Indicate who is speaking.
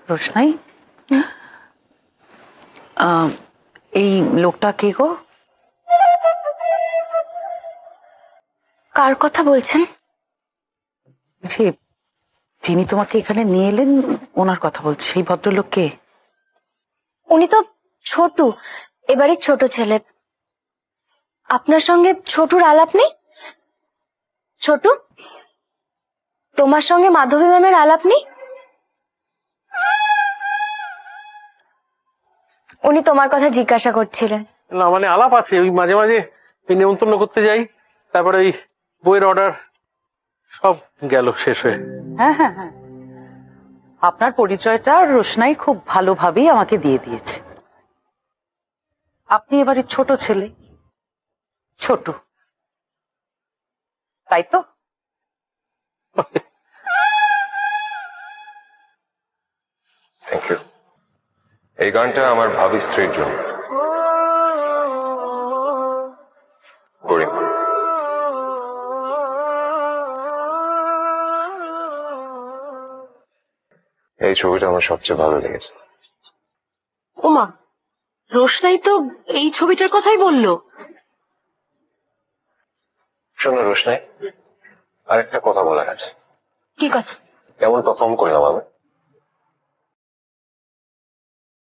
Speaker 1: রোশনাই, এই লোকটা কে গো?
Speaker 2: কার কথা বলছেন?
Speaker 1: যে যিনি তোমাকে এখানে নিয়ে এলেন ওনার কথা বলছি। এই ভদ্রলোক কে?
Speaker 2: উনি তো ছোটু, এবারে ছোট ছেলে। আপনার সঙ্গে ছোটুর আলাপ নেই? ছোটু, তোমার সঙ্গে মাধবী ম্যামের আলাপ নেই? উনি তোমার কথা জিজ্ঞাসা করছিলেন।
Speaker 3: না মানে আলাপ আছে, ওই মাঝে মাঝে ওই নেমন্তন্ন করতে যাই, তারপরে ওই বইয়ের অর্ডার সব গেল শেষ হয়ে।
Speaker 1: হ্যাঁ হ্যাঁ হ্যাঁ, আপনার পরিচয়টা রোশনাই খুব ভালোভাবেই আমাকে দিয়ে দিয়েছে। আপনি এবারে ছোট ছেলে, ছোট, তাই তো?
Speaker 4: Thank you. এই গানটা আমার ভাবি স্ত্রীর জন্য। গরিমা। এই ছবিটা আমার সবচেয়ে ভালো লেগেছে।
Speaker 5: ওমা, রোশনাই তো এই ছবিটার কথাই বললো।
Speaker 4: শোনো রোশনাই, আরেকটা কথা বলার আছে।
Speaker 2: কি কথা?
Speaker 4: কেমন পারফর্ম করলাম আমি?